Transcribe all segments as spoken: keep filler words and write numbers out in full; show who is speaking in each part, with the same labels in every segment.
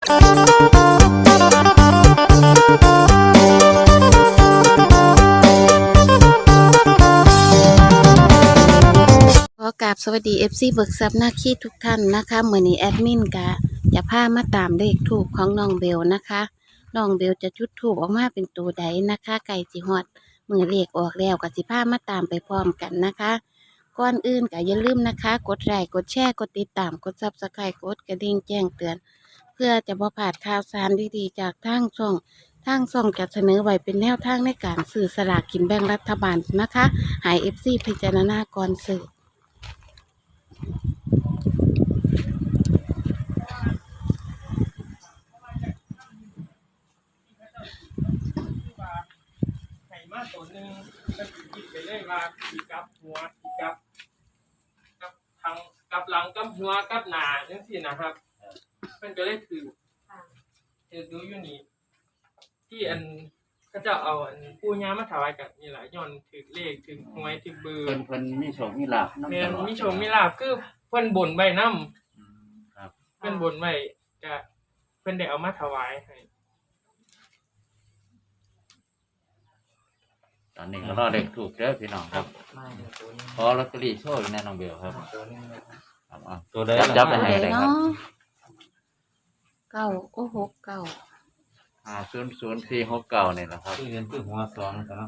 Speaker 1: ขอกราบสวัสดี เอฟ ซี เบิกทรัพย์นาคีทุกท่านนะคะมื้อนี้แอดมินกะจะพามาตามเลขทูปของน้องเบลนะคะน้องเบลจะจุดทูปออกมาเป็นตัวใดนะคะไก่สิฮอดมื้อเลขออกแล้วก็สิพามาตามไปพร้อมกันนะคะก่อนอื่นก็อย่าลืมนะคะกดไลค์กดแชร์กดติดตามกด ซับสไครบ์ กดกระดิ่งแจ้งเตือนเพื่อจะบ่พลาดข่าวสารดีๆจากทางช่องทางช่องจะเสนอไว้เป็นแนวทางในการซื้อสลากกินแบ่งรัฐบาลนะคะให้ เอฟ ซี พิจารณาก่อนซื้อ
Speaker 2: ไข่มาตัวหนึ่งก็คิดไปเลยว่าขีกับหัวขีกับกับทางกับหลังกับหัวกับหน้าจังซี่นะครับมันก็เลยถือถือดูอยู่นี่ที่อันก็จะเอาอันปู่ย่ามาถวายกันนี่แหละย้อนถือเลขถือหวยถือเบอร์
Speaker 3: เพิ่นเพิ่นมีโชคมีลาภนำ
Speaker 2: แม่น
Speaker 3: ตลอด
Speaker 2: มีโชคมีลาภคือเพิ่นบ่นไว้นำ
Speaker 3: อืมครับ
Speaker 2: เพิ่นบ่นไว้ก็เพิ่นได้เอามาถวายให้
Speaker 3: ตอนนี้ก็รอเด็กถูกเด้อพี่น้องครับขอลอตเตอรี่โชคอีกแน่น้องเบลครับครับเอา
Speaker 4: ตัวใด
Speaker 3: จับจับไป
Speaker 1: ตัว
Speaker 3: ให้
Speaker 1: ใด
Speaker 3: ได้ครับ
Speaker 1: เนาะเก้าโอ้หกเก้า
Speaker 3: ห้าศูนย์ศูนย์สี่หกเก้านี่แหละครับ
Speaker 4: ที่เรียนคือหัวสองครับ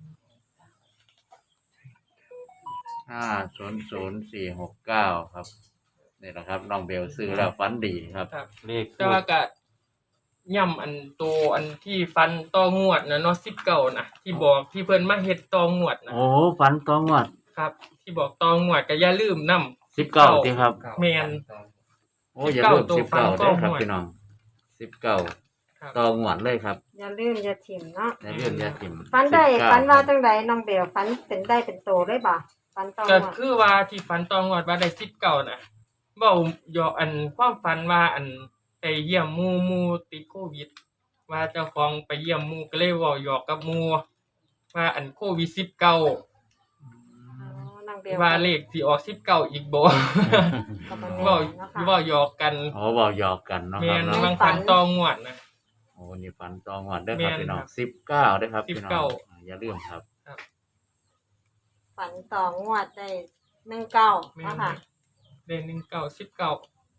Speaker 3: ห้าศูนย์ศูนย์สี่หกเก้าครับนี่แหละครับน้องเบลซื้อแล้วฝันดีครับ
Speaker 2: ครับ
Speaker 4: เลข
Speaker 2: แต่ว่าก็ย่ำอันโตอันที่ฟันต่องวดนะเนาะสิบเก้านะที่บอกที่เพิ่นมาเฮ็ดต่องวดนะ
Speaker 3: โอ้ฝันตัวงวด
Speaker 2: ครับ ที่บอกต่องวดก็อย่าลืมนำ
Speaker 3: สิบเก้าที่ครับ
Speaker 2: แม่น
Speaker 3: โอ้อย่าลืม
Speaker 2: สิ
Speaker 3: สิ
Speaker 2: บบ เก้า
Speaker 3: เก้า
Speaker 2: ตัว
Speaker 3: เด้อครับ
Speaker 2: ฟัง
Speaker 3: พี่น้องสิบเก้า
Speaker 2: ครับ
Speaker 3: ต่องวดเลยครับ
Speaker 5: อย่าลืมอย่าถิ่มเนาะ
Speaker 3: ในเรื่องยาถิ่ม
Speaker 5: ฟันได้
Speaker 3: สิบเก้
Speaker 5: ฟันว่าจังใดน้องเบลฟันเป็นได้เป็นโตได้บ่ฟันตอง
Speaker 2: ก็
Speaker 5: ว่า
Speaker 2: คือว่าที่ฟันต่องวดว่าได้สิบเก้านะเว้ายออันความฝันว่าอันไปเยี่ยมหมู่หมู่ติดโควิด ว่าเจ้าของไปเยี่ยมหมู่ก็เลยเว้าหยอกกับหมู่ว่าอันโควิดสิบเก้า
Speaker 5: อ๋อน้องเบล
Speaker 2: ว่าเลขสิออกสิบเก้าอีกบ่
Speaker 5: ก็บ่
Speaker 2: เว้า
Speaker 5: แน่เนาะค่ะ
Speaker 2: เว้าหยอกกัน
Speaker 3: โอ้บอกหยอกกันเนาะค
Speaker 2: แม่
Speaker 3: รับ
Speaker 2: น
Speaker 3: เนาะ
Speaker 2: บางฝันต่องวดนะ
Speaker 3: โอ้นี่ฝันตองวดเด้อครับ
Speaker 2: แม่น
Speaker 3: พี่น้อง
Speaker 2: ครับ
Speaker 3: สิบเก้าเด้อครับพี่น้อง
Speaker 2: สิบเก้า
Speaker 3: อ่าอย่าลืมครับ
Speaker 5: ฝันต่องวดได้หนึ่งเก้า
Speaker 2: แม่
Speaker 5: เนาะ
Speaker 2: น
Speaker 5: ค่ะ
Speaker 2: ได้หนึ่งเก้าสิบเก้า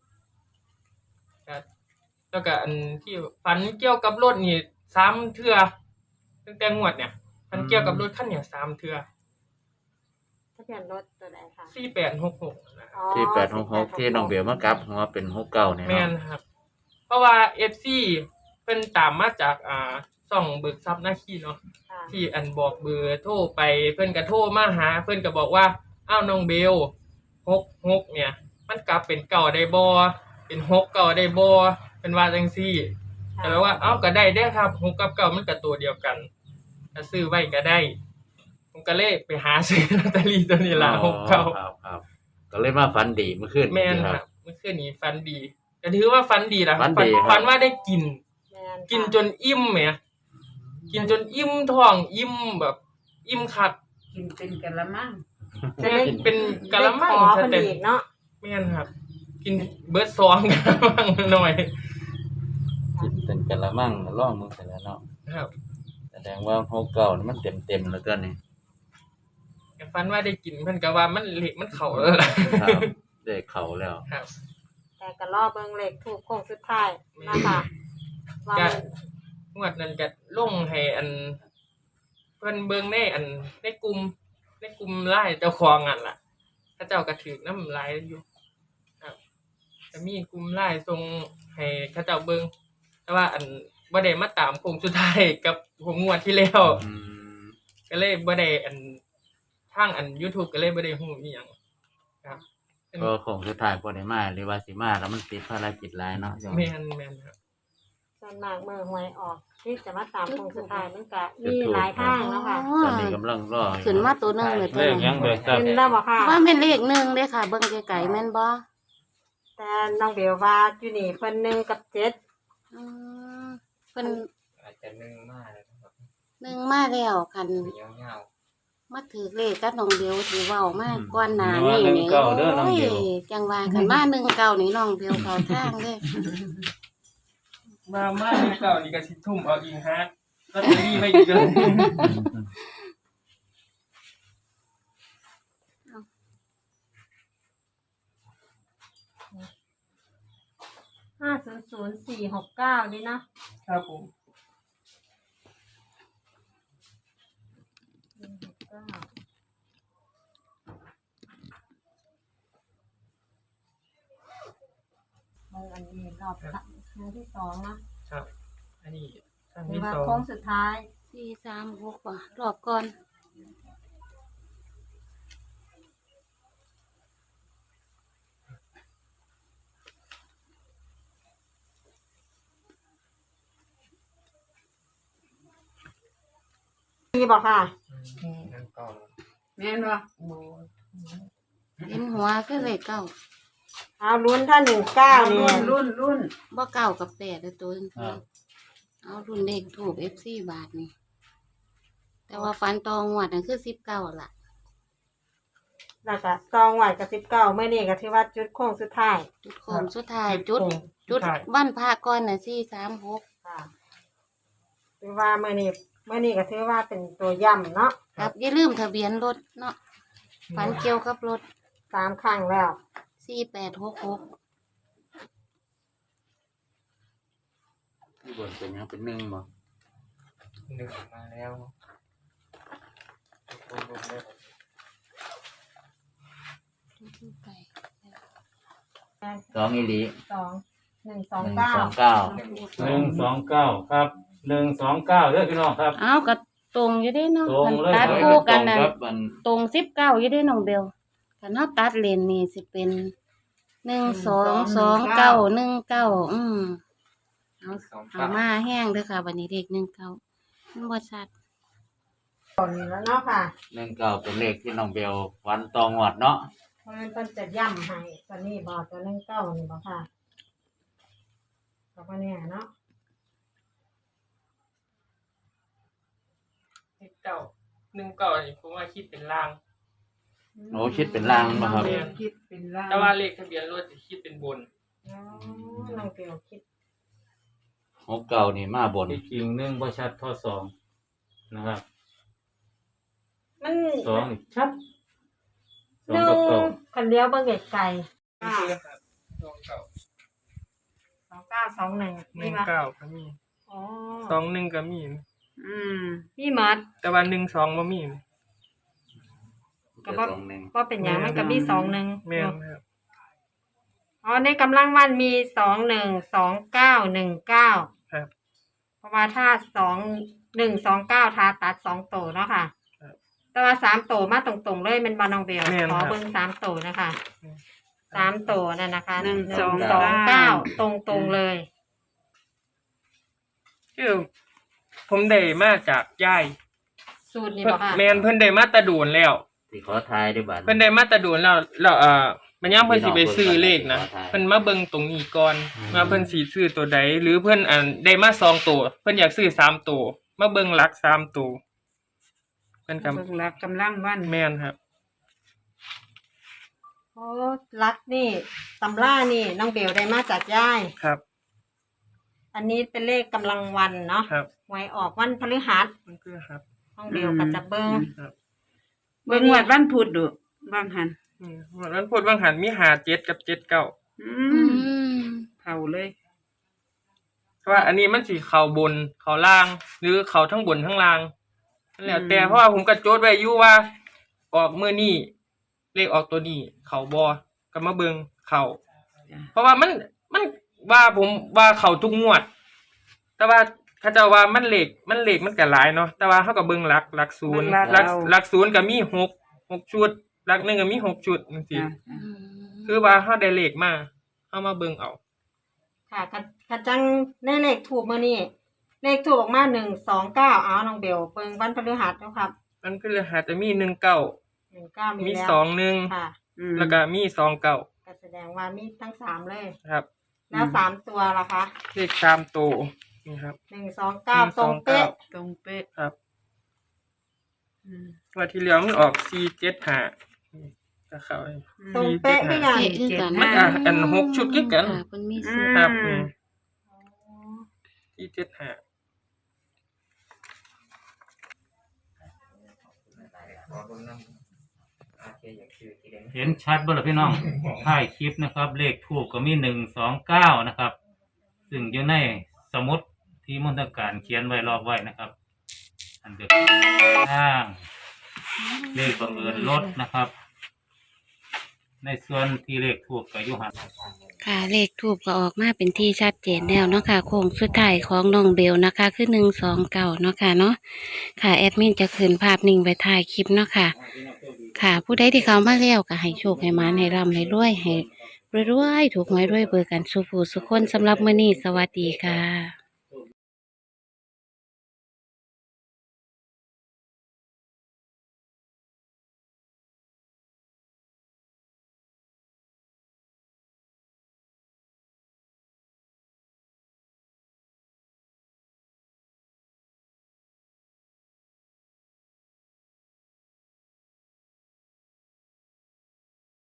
Speaker 2: แล้วก็อันที่ฝันเกี่ยวกับรถนี่สามเทื่อตั้งแต่งวดเนี่ยฝันเกี่ยวกับรถคันเนี่ยสามเทื่อ
Speaker 5: ทะเบียนรถตัวใดค่ะ
Speaker 2: สี่แปดหกหกนะ
Speaker 5: อ๋อ
Speaker 3: ที่แปดหกหกที่น้องเบลมากลับหัวเป็นหกเก้าเนี่ย
Speaker 2: แม่น
Speaker 3: เนาะ
Speaker 2: ครับ เพราะว่า เอฟ ซี เพิ่นตามมาจากอ่าช่องเบิกทรัพย์หน้าขี้เนาะ
Speaker 5: ค่ะ
Speaker 2: ที่อันบอกเบอร์โทรไปเพิ่นก็โทรมาหา เพิ่นก็บอกว่าอ้าวน้องเบลหกหกเนี่ย มันกลับเป็นเก่าได้บ่เป็นหกเก่าได้บ่เป็นว่าจังซี่แต่ว่าเอ้าก็ได้เด้อครับหกกับเก่ามันก็ตัวเดียวกันถ้าซื้อไว้ก็ได้ ผมก็เลยไปหาซื้อลอตเตอรี่ตัวนี้ล่ะหกเก่า
Speaker 3: ครับครับก็เลยมาฝันดีเมื่อคืน
Speaker 2: แม่น
Speaker 3: ค
Speaker 2: ค
Speaker 3: รั
Speaker 2: รั
Speaker 3: บบ
Speaker 2: เมื่อคืนนี้ฟันดีก็ถือว่าฟันดีนะ
Speaker 3: ฝันดีครับ
Speaker 2: ฝันว่าได้กิน
Speaker 5: แม่ค่ะ
Speaker 2: กินจนอิ่มแหมกินจนอิ่มท้องอิ่มแบบ อิ่มคัก
Speaker 6: กินเป็นกะละมัง
Speaker 2: แม่นเป็นกะละมัง
Speaker 5: ได้ขอ
Speaker 2: ซะ
Speaker 5: เพิ่น
Speaker 2: เต็ม
Speaker 5: อีกเนาะ
Speaker 2: แม่นครับ กินเบิดซองกะละมังหน่อย
Speaker 4: จิตเป็นกะละมังร่องมึงเสร็จแล้วเนาะ
Speaker 2: ครับ
Speaker 3: แสดงว่าหกเก้านี่มันเต็มเต็มๆแล้วก็นี่
Speaker 2: ก็ฝันว่าได้กินเพิ่นก็ว่ามันเละมันเข้าแล้วล่ะ
Speaker 3: ครับได้เข่าแล้ว
Speaker 2: ครับ
Speaker 5: แต่ก็รอเบิ่งเลขถูกโค้งสุดท้ายนะคะว่า
Speaker 2: ก็งวดนั้นก็ลงให้อัน เพิ่นเบิ่งในอันในกลุ่มในกลุ่มไลน์เจ้าของอันล่ะเขาเจ้าก็ถือน้ำลายอยู่ครับจะมีกลุ่มไลน์ส่งให้เขาเจ้าเบิ่งแต่ว่าอันบ่ได้มาตามโค้งสุดท้ายกับผมงวดที่แล้ว
Speaker 3: อืม
Speaker 2: ก็เลยบ่ได้อันทางอัน YouTube ก็เลยบ่ได้ฮู้อีหยังครับ
Speaker 3: ก็คงสุดท้ายพอได้มาหรือว่าสิมาแล้วมันติดภารกิจหลายเนาะ
Speaker 2: แม่นแม่นครับ
Speaker 5: ส่วนมากมือหวยออก ที่จะมาตามโค้งสุดท้ายมันก็มีหลายทางเนาะค่ะ
Speaker 3: ตอนนี้กำลังรออยู่
Speaker 1: ขึ้นมาตัวหนึงเลยตั
Speaker 4: เล
Speaker 1: ว
Speaker 4: ข
Speaker 1: นึ
Speaker 4: ยัง
Speaker 1: ง
Speaker 4: เบิกทรัพ
Speaker 5: เป็
Speaker 4: ย์
Speaker 5: นแล้วบ่ค่ะ
Speaker 1: ว่าเป็นเลขหนึ่งเด้อค่ะ เบิ่งไกลๆแม่นบ่
Speaker 5: แต่น้องเบลว่าอยู่นี่เพิ่นหนึ่งกับเจ็ด
Speaker 1: อืมเพิ่น
Speaker 4: อาจจะนึ่งมากเลยนะครับ
Speaker 1: หนึ่งมาแล้วคัน
Speaker 4: เงี้ยวเงี้ยว
Speaker 1: มาถือเลขกับน้องเบลถือเว้ามาก่อนหน้านี้
Speaker 4: หนึ่
Speaker 1: นี่
Speaker 4: งเก้าเด้อน้องเบล
Speaker 1: โอ้ยจังว่าคันมาหนึ่งเก้านี่น้องเบลเข้าทางเด้อ
Speaker 2: มามาในเก่านี่ก็สิทุ่มเอาอิงฮาร์ดลอตเตอรี่ไปอีกเลย
Speaker 5: ห้าศูนย์ศูนย์สี่หกเก้านี่นะครับ
Speaker 2: ผม
Speaker 5: สี่หกเก้าเมื่ออันนี้รอบครั้งที่สองนะครับ
Speaker 2: อันนี้ครั้ง
Speaker 5: หรือ
Speaker 2: ที่
Speaker 5: ว่า
Speaker 2: สอง
Speaker 5: โค้งสุดท้าย
Speaker 1: สี่สามหกว่ะรอบก่อน
Speaker 5: มีบอกค่ะ
Speaker 2: อืมนั่นก่อน
Speaker 5: แม่นบ่
Speaker 1: เห็นหัวก็เลยเก้า
Speaker 5: เอาลุ้นถ้าหนึ่งเก้าเนี่ย
Speaker 6: รุ่นรุ่น
Speaker 1: บ่เก้ากับแปดเลยตัวนึง
Speaker 3: ครับ
Speaker 1: เอารุ่นเลขถูกเอฟซีบาทนี่แต่ว่าฟันตองวดนั่นคือสิบเก้าล่ะ
Speaker 5: แล้วก็ซองไหวกับสิบเก้าเมื่อนี้ก็ถือว่าจุดโค้งสุดท้าย
Speaker 1: จุดโค้งสุดท้ายจุด
Speaker 2: โค้ง
Speaker 1: จุด
Speaker 2: สุท้าย
Speaker 1: วันพระก่อนน่ะสี่สามหก
Speaker 5: ค่ะถือว่าเมื่อนี้เมื่อนี้ก็ถือว่าเป็นตัวย่ำเนาะ
Speaker 1: ครับอย่าลืมทะเบียนรถเนาะฟันเกี่ยวกับรถ
Speaker 5: สามครั้งแล้ว
Speaker 1: สี่แปดหกหก
Speaker 3: ที่บนเป็นหยังเป็นหนึ่งบ่
Speaker 2: หนึ่งมาแล้วรวมๆเลย
Speaker 1: ไป
Speaker 3: สองอีหลี
Speaker 5: สองหนึ่งสอง
Speaker 3: หนึ่ง
Speaker 5: เก้า
Speaker 3: สองเก้า
Speaker 4: หนึ่งสองเก้าครับหนึ่งสองเก้าเด้อพี่น้องครับ
Speaker 1: เอาก็ตรงอยู่เด้เนาะ
Speaker 4: ตรงเลย
Speaker 1: ตัดคู่กันน่ะ
Speaker 3: ครับมัน
Speaker 1: ตรงสิบเก้าอยู่เด้น้องเบลคันเฮาตัดเลนนี่สิเป็นหนึ่งสองสองเก้าหนึ่งเก้าอืมเอา
Speaker 2: สอง
Speaker 1: เอา
Speaker 2: เก้า
Speaker 1: มาแห้งเด้อค่ะวันนี้เลขหนึ่งเก้ามันบ่ชัด
Speaker 5: ตอนนี้แล้วเนาะค่ะ
Speaker 3: หนึ่งเก้าเป็นเลขที่น้องเบลวันตองวดเนาะ
Speaker 5: เพราะฉะนั้นเพิ่นจะย่ำให้ตอนนี้บอกตัวหนึ่งเก้านี่บอกค่ะแล้วก็เนี่ยเนาะ
Speaker 2: หนึ่งเก้าหนึ่งเก้านี่ผมว่าคิดเป็นล่าง
Speaker 3: โอ้คิดเป็นล่างบ่ครับ
Speaker 6: คิดเป็นล่าง
Speaker 2: แต่ว่าเลขทะเบียนรถจะคิดเป็นบน
Speaker 5: อ๋อน้องเปียวคิด
Speaker 3: หกเก้านี่มาบน
Speaker 4: อีกทีหนึ่งบ่ชัดเท่าสองนะครับ
Speaker 5: มัน
Speaker 4: สองนี่ชัดส
Speaker 5: ห
Speaker 4: อง
Speaker 5: นึ่
Speaker 4: กับ
Speaker 5: ง
Speaker 4: เก้า
Speaker 5: คันเลี้ยวเบิ่งไกลๆ
Speaker 2: นี่
Speaker 5: อ่า
Speaker 2: คือครับสองเก้า
Speaker 5: สองเก้าสองหนึ่ง
Speaker 2: ห
Speaker 5: นี่
Speaker 2: นึ่ง
Speaker 5: ปะ
Speaker 2: เก้าก็มี
Speaker 5: อ๋อ
Speaker 2: สองหนึ่งก็มี
Speaker 6: อืม
Speaker 5: พี่มัด
Speaker 2: แต่ว่าหนึ่งสองบ่มี
Speaker 5: ก็บ่
Speaker 3: สองหนึ่ง
Speaker 5: ก็เป็นอย่างมันก็มีสองหนึ่ง
Speaker 2: แม่นครับ
Speaker 5: อ๋อในกำลังวันมีสองหนึ่งสองเก้าหนึ่งเก้า
Speaker 2: ครับ
Speaker 5: เพราะว่าถ้าสองหนึ่งสองเก้าทาตัดสองโตเนาะค่ะ
Speaker 2: ครับ
Speaker 5: แต่ว่าสามโตมาตรงๆเลยเป็นบอลองเบล
Speaker 2: แม่น
Speaker 5: ขอ
Speaker 2: ครับ
Speaker 5: เบิ้งสามโตนะคะ
Speaker 2: อืม
Speaker 5: สามโตนั่นนะคะ
Speaker 6: หนึ่ง
Speaker 5: ห
Speaker 6: สอง
Speaker 5: สอง
Speaker 6: เก้า
Speaker 5: เก้าตรงๆเลย
Speaker 2: คือผมได้มาจากยาย
Speaker 5: สูตรนี้
Speaker 2: เพิ่
Speaker 5: บอน กค่ะ
Speaker 2: แม่นเพิ่นได้มาแตะดูนแล้ว
Speaker 3: ที่ขอทายด้วยบัตร
Speaker 2: เพิ่นได้มาแตะดูนแล้วแล้วเอ่อมันย่ามเพิ่นสิไปซื้อเลขนะ
Speaker 3: ขอทาย
Speaker 2: เพิ่นมาเบิ่งตรงนี้ก่อนว่าเพิ่นสิซื้อตัวใดหรือเพิ่นอันได้มาสองตัวเพิ่นอยากซื้อสามตัวมาเบิ่งหลักสามตัวเพิ่นก็
Speaker 6: เบิ่งหลักกำลังวัน
Speaker 2: แม่นครับ
Speaker 5: โอ้รักนี่ตำล่านี่น้องเบลได้มาจากย่าย
Speaker 2: ครับ
Speaker 5: อันนี้เป็นเลขกำลังวันเนาะ
Speaker 2: ครับ
Speaker 5: หวยออกวันพฤหัส
Speaker 2: มันคือครับ
Speaker 5: น้องเบลก็จะเบิ้ง
Speaker 2: ครับ
Speaker 6: เบิ่งวัดวันพุธดูบางหัน
Speaker 2: อืมวันพูดบางหันมีหาเจ็ดกับเจ็ดเก้า
Speaker 6: อื
Speaker 1: อื
Speaker 6: ม
Speaker 1: ม
Speaker 6: เผาเลย
Speaker 2: เพราะว่าอันนี้มันสิเข้าบนเข้าล่าง หรือเข้าทั้งบนทั้งล่างนั่นแหละแต่เพราะว่าผมก็โจทย์ไว้อยู่ว่า ออกมื้อนี้เลขออกตัวนี้เข้าบ่ก็มาเบิ่งเข้า
Speaker 6: จ้ะ
Speaker 2: เพราะว่ามันมันว่าผมว่าเข้าทุกงวด แต่ว่าเขาเจ้าว่ามันเลขมันเลขมันก็หลายเนาะแต่ว่าเฮาก็เบิ่งหลักหลักศูนย์หลักหลักศูนย์ก็มีหก หกชุดหลักหนึ่งก็มีหกชุดจังซี่
Speaker 6: จ้ะ
Speaker 1: อืม
Speaker 2: คือว่าเฮาได้เลขมาเฮามาเบิ่งเอา
Speaker 5: ค่ะกระกระจังในเลขถูกมื่อนี้เลขถูกออกมาหนึ่งสองเก้าเอาน้องเบลเบิ้งวันพฤหัสเนาะครับ
Speaker 2: มันคือหาจะมีหนึ่งเก้า
Speaker 5: หนึ่งเก้ามี
Speaker 2: มี
Speaker 5: แล้ว
Speaker 2: สองหนึ่ง
Speaker 5: ค่ะ
Speaker 6: อืม
Speaker 2: แล้วก็มีสองเก้า
Speaker 5: ก็แสดงว่ามีทั้งสามเลย
Speaker 2: ครับ
Speaker 5: แล้วสามตัวล่ะคะ
Speaker 2: เลขสามตัวนี่ครับ
Speaker 5: หนึ่งสองเก้า
Speaker 2: หนึ่ง
Speaker 5: ตรง
Speaker 2: สองเก้า
Speaker 5: เป๊ะ
Speaker 6: ตรงเป๊ะ
Speaker 2: ครับ
Speaker 6: อืม
Speaker 2: ว่าที่เหลือมันออกสี่เจ็ดห้าก็เข้าไป
Speaker 5: ตรงเป๊ะทุกอย่าง
Speaker 1: เจ๊คือกัน
Speaker 2: มันอ่ะอันหกชุดคือกัน
Speaker 1: ค่ะเพิ่นมีสูตร
Speaker 2: ครับอืมที่เจ็ดห้า
Speaker 7: เห็นชัดบ่ล่ะพี่น้อง ท้ายคลิปนะครับ เลขทูปก็มีหนึ่งสองเก้านะครับ ซึ่งอยู่ในสมุดที่มนตการเขียนไว้รอบไว้นะครับ อันเดียวข้างเลขบังเอิญลดนะครับ ในส่วนที่เลขทูปก็อยู่หัน
Speaker 1: ค่ะเลขทูบก็ออกมาเป็นที่ชัดเจนแล้วเนาะค่ะโค้งสุดท้ายของน้องเบลนะคะคือหนึ่งสองเก้าเนาะค่ะเนาะค่ะแอดมินจะคืนภาพนิ่งไว้ถ่ายคลิปเนาะค่ะ ค่ะผู้ใดที่เขามาแล้วก็ให้โชคให้หมานให้ร่ำให้รวยให้รวยๆถูกหวยรวยเบอร์กันสุผู้สุคนสำหรับมื้อนี้สวัสดีค่ะ